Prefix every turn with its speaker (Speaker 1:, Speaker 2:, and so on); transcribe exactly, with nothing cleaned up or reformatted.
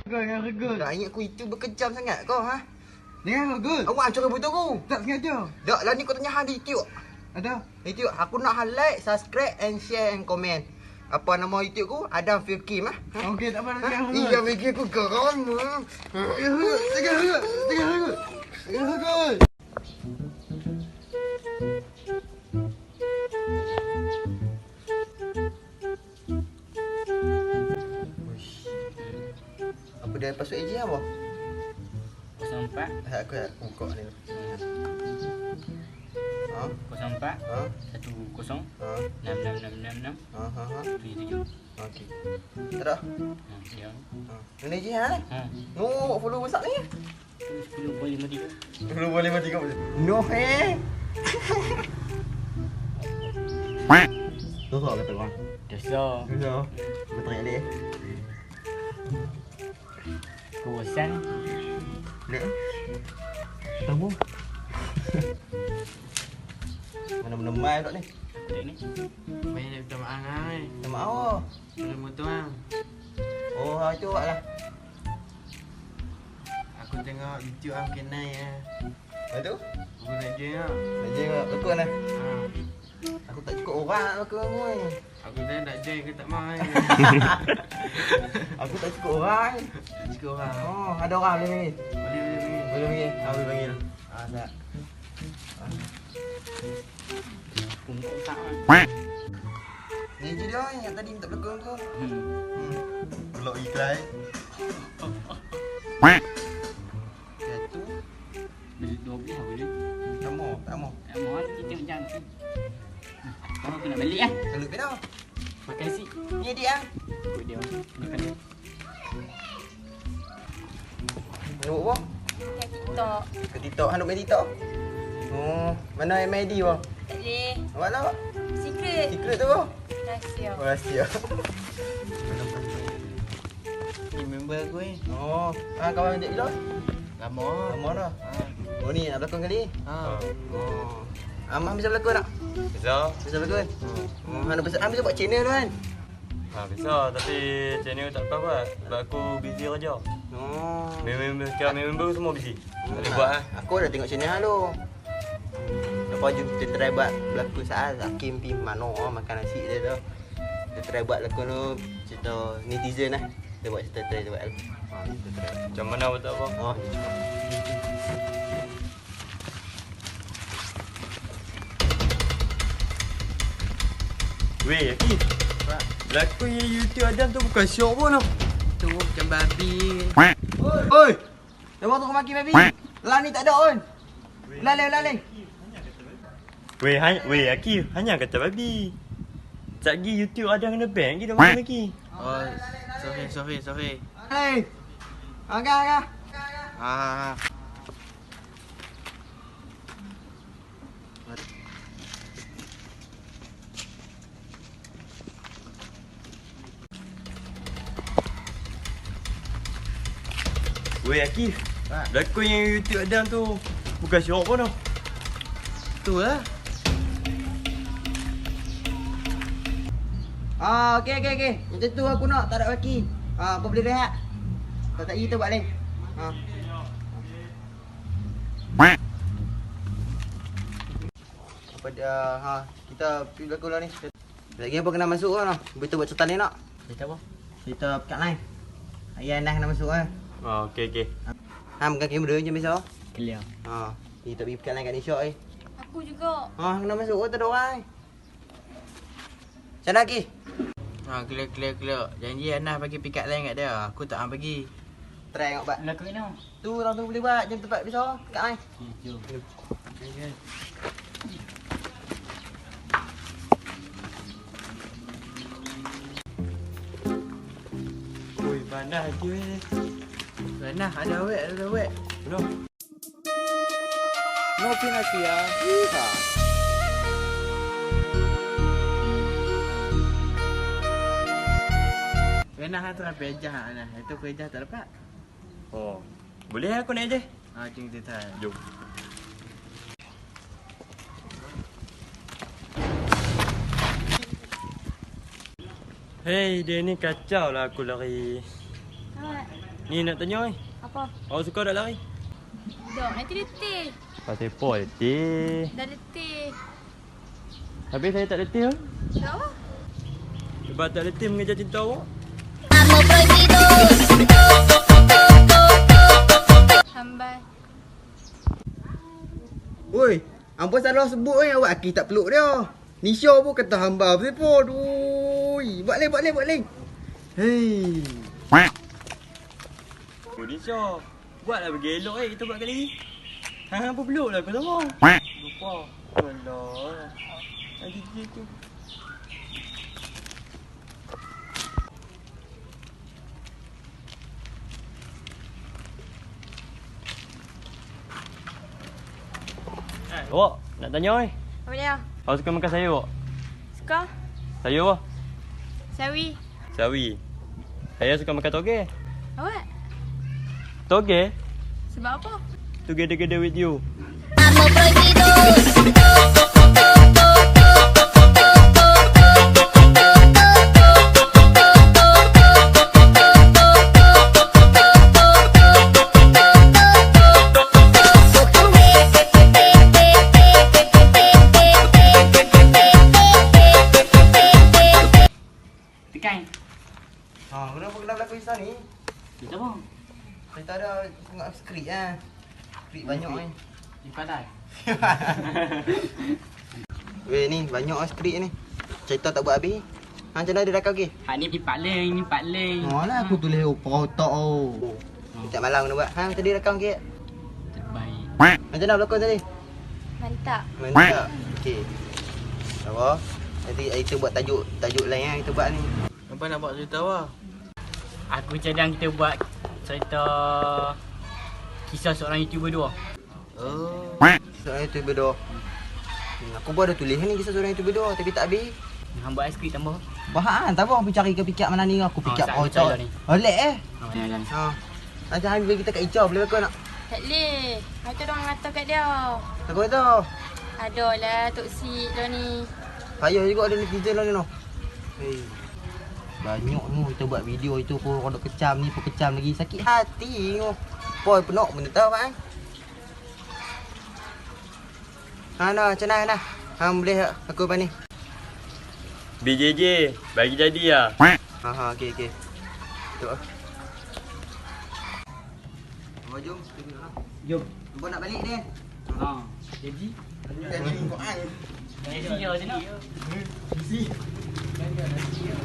Speaker 1: Kau yang regut.
Speaker 2: Tak ingat aku itu berkejam sangat kau ha.
Speaker 1: Jangan regut.
Speaker 2: Awak hancur rambut aku.
Speaker 1: Tak sengaja.
Speaker 2: Tak lah ni kau tanya hal di YouTube.
Speaker 1: Ada.
Speaker 2: YouTube aku nak hal like, subscribe and share and comment. Apa nama YouTube aku? Adam Filkim ah. Ha?
Speaker 1: Okey tak apa.
Speaker 2: Ha? Iya bagi aku geram.
Speaker 1: Jangan regut. Jangan regut. Jangan regut. Jangan regut.
Speaker 2: Apa dia password A J apa?
Speaker 3: kosong empat
Speaker 2: Ha, aku nak buka ni. Ha?
Speaker 3: kosong empat
Speaker 2: Ha?
Speaker 3: satu kosong
Speaker 2: Ha?
Speaker 3: enam enam enam enam enam
Speaker 2: Ha ha ha.
Speaker 3: tujuh tujuh.
Speaker 2: Okey. Tak dah.
Speaker 3: Ha, ya.
Speaker 2: Ha. Ini A J ha.
Speaker 3: Ha.
Speaker 2: No, follow besar ni.
Speaker 3: sepuluh boleh lima tiga.
Speaker 2: Belum boleh mati kau. No eh. Tu soal kata bang.
Speaker 3: Dosa.
Speaker 2: No. Betul ya dia.
Speaker 3: Kawasan.
Speaker 2: Lek. Tamu. Mana-mana mai dak ni.
Speaker 3: Dek ni.
Speaker 4: Main dia minta maaf kan.
Speaker 2: Minta maaf oh.
Speaker 4: Belum motor kan.
Speaker 2: Oh, ha, itu awak lah.
Speaker 4: Aku tengok YouTube am kenai ya.
Speaker 2: Lepas tu?
Speaker 4: Aku nak join ah.
Speaker 2: Nak je lekuk lah.
Speaker 4: Ha.
Speaker 2: Aku tak cukup orang nak lekuk aku ni.
Speaker 4: Aku dah nak join ke tak mau kan.
Speaker 2: Aku tak cukup orang.
Speaker 4: Cukup orang.
Speaker 2: Oh, ada orang boleh panggil.
Speaker 4: Boleh boleh boleh.
Speaker 2: Boleh panggil. Ha, boleh panggil. Ha, tak.
Speaker 3: Untuk tak kan.
Speaker 2: Ni je dia yang tadi minta lekuk aku.
Speaker 3: Hmm.
Speaker 2: Hmm. Pelok iklan. Satu.
Speaker 3: Beli dua belas boleh.
Speaker 2: Tak mau, tak mau.
Speaker 3: Tak mohon kita macam tu. Kalau aku nak balik ah.
Speaker 2: Kalau pernah.
Speaker 3: Makan si.
Speaker 2: Ni dia.
Speaker 3: Ikut dia. Makan dia.
Speaker 2: Nak apa?
Speaker 5: TikTok.
Speaker 2: Ke TikTok, handuk main TikTok. Oh, mana M I D wah?
Speaker 5: Tak boleh.
Speaker 2: Awak lah.
Speaker 5: Secret.
Speaker 2: Secret tu wah.
Speaker 5: Rahsia.
Speaker 2: Oh, rahsia.
Speaker 4: Ni member aku ni.
Speaker 2: Oh, ah kawan ajak bila?
Speaker 4: Lama.
Speaker 2: Lama dah.
Speaker 4: Ha.
Speaker 2: Oh ni nak berlakon kali.
Speaker 4: Ha.
Speaker 2: Oh. Amah bisa berlakon tak?
Speaker 6: Bisa.
Speaker 2: Bisa berlakon. Oh, hang bisa hang bisa buat channel tu kan?
Speaker 6: Ha, bisa tapi channel tak apa buat. Sebab aku busy kerja.
Speaker 2: Oh.
Speaker 6: Member kira member semua busy. Tak boleh buat ah.
Speaker 2: Aku dah tengok channel hang tu. Lepas tu kita try buat berlakon saat Hakim pi mano oh, makan nasi dia tu. Kita try buat lakon tu cerita netizen lah. Kita buat cerita try buat. Ha, kita try.
Speaker 6: Macam mana buat tak apa.
Speaker 2: Oh.
Speaker 6: Weh, Aki. Lakon yang YouTube Adam tu bukan syok pun tau.
Speaker 4: Tu macam babi.
Speaker 2: Oi. Dah waktu kau maki baby. Lah ni tak ada on. Lalai lalai.
Speaker 6: Weh, hanya, weh Aki, hanya kata babi. Sekejap lagi YouTube Adam kena ban lagi dah makan lagi.
Speaker 4: Oh, sorry sorry sorry.
Speaker 2: Hey. Agak agak.
Speaker 4: Ha ha ha.
Speaker 6: Weh Aki, lakon yang YouTube Adam tu bukan syok pun tau.
Speaker 4: Tu lah.
Speaker 2: Ah, okey okey okey. Macam tu aku nak, tak ada baki. Ah, kau boleh rehat. Kalau tak kita buat lain. Ha. Apa dia ha, kita pergi berlakon lah ni. Lagi apa kena masuk kan? Kita buat cerita ni nak.
Speaker 3: Cerita apa?
Speaker 2: Cerita pekat lain. Ayah Anas kena masuk kan.
Speaker 6: Ha, okey okey.
Speaker 2: Ha, makan kamera je biasa.
Speaker 3: Clear.
Speaker 2: Ha, kita pergi pekat lain kat Nisha eh.
Speaker 5: Aku juga.
Speaker 2: Ha, kena masuk oh, tak ada orang. Macam mana lagi?
Speaker 4: Ha clear clear clear. Janji Anas bagi pikat lain kat dia. Aku tak hang bagi.
Speaker 2: Try tengok buat.
Speaker 3: Lakon ni.
Speaker 2: Tu orang tu boleh buat jam tempat biasa pekat lain.
Speaker 3: Jom.
Speaker 6: Oi, panas dia weh.
Speaker 4: Anas ada wek ada wek.
Speaker 6: Belum.
Speaker 2: No penalty ya. Ha.
Speaker 4: Anas hantar pejah Anas. Itu pejah tak dapat.
Speaker 6: Oh. Boleh aku naik je?
Speaker 4: Ha jom kita try.
Speaker 6: Jom. Hei, dia ni kacau lah aku lari.
Speaker 5: Selamat.
Speaker 6: Ni nak tanya oi.
Speaker 5: Apa?
Speaker 6: Awak suka tak lari?
Speaker 5: Dok, nanti letih.
Speaker 6: Pasal apa letih?
Speaker 5: Dah letih.
Speaker 6: Habis saya tak letih.
Speaker 5: Dok apa?
Speaker 6: Sebab tak letih mengejar cinta awak.
Speaker 5: Hambai.
Speaker 2: Oi, hampa salah sebut oi, awak aki tak peluk dia. Nisha pun kata hamba apa pun. Aduh. Buat lain, buat lain, buat lain. Hei.
Speaker 6: Oh Nisha, buatlah bagi elok eh kita buat kali ni. Hang apa peluk lah kau sama. Lupa. Alah. Lagi dia tu. Awak nak tanya oi.
Speaker 5: Apa dia?
Speaker 6: Awak suka makan sayur awak?
Speaker 5: Suka?
Speaker 6: Sayur apa?
Speaker 5: Sawi.
Speaker 6: Sawi. Saya suka makan toge.
Speaker 5: Awak?
Speaker 6: Toge?
Speaker 5: Sebab apa?
Speaker 6: Together with you.
Speaker 3: Tekan.
Speaker 2: Ha, kenapa kena berlaku kisah ni?
Speaker 3: Kita apa?
Speaker 2: Kita ada tengok skrip ah. Skrip banyak ni.
Speaker 3: Di padai.
Speaker 2: Weh ni banyak ah skrip ni. Cerita tak buat habis. Ha, macam mana dia rakam ke?
Speaker 3: Hak ni pipak leng, ni pak leng.
Speaker 2: Oh lah aku tulis opa otak oh. Setiap malam kena buat. Ha, macam dia rakam ke?
Speaker 3: Terbaik.
Speaker 2: Macam mana berlakon tadi?
Speaker 5: Mantap.
Speaker 2: Mantap. Okey. Apa? Nanti kita buat tajuk tajuk lain ah kita buat ni.
Speaker 4: Apa nak buat cerita awak?
Speaker 3: Aku cadang kita buat cerita kisah seorang YouTuber dua.
Speaker 2: Oh. Seorang YouTuber dua. Hmm, aku pun ada tulis ni kisah seorang YouTuber dua tapi tak habis.
Speaker 3: Hang buat skrip tambah.
Speaker 2: Bahan tak apa aku cari ke pikir mana ni aku fikir
Speaker 3: Oh,
Speaker 2: oh,
Speaker 3: saya
Speaker 2: otak.
Speaker 3: ni.
Speaker 2: Oleh eh.
Speaker 3: Ha, jalan.
Speaker 2: Ha. Macam Hamid bagi kita kat Icah boleh kau nak?
Speaker 5: Tak boleh. Macam orang kata kat dia.
Speaker 2: Tak kau tahu.
Speaker 5: Ada lah toksik dah ni.
Speaker 2: Payah juga ada netizen lah ni noh. Hei. Banyak ni kita buat video itu pun orang dok kecam ni pun kecam lagi sakit hati tengok. Poi penok benda tahu kan? Ha nah, macam mana nah? Hang boleh tak aku apa ni?
Speaker 6: B J J, bagi jadi lah.
Speaker 2: Ha ha okey okey. Tok ah. Oh jom.
Speaker 3: Jom.
Speaker 2: Apa nak balik ni?
Speaker 3: Ha. Jadi
Speaker 2: Jadi kau ai.
Speaker 3: jadi dia sini.
Speaker 2: Isi.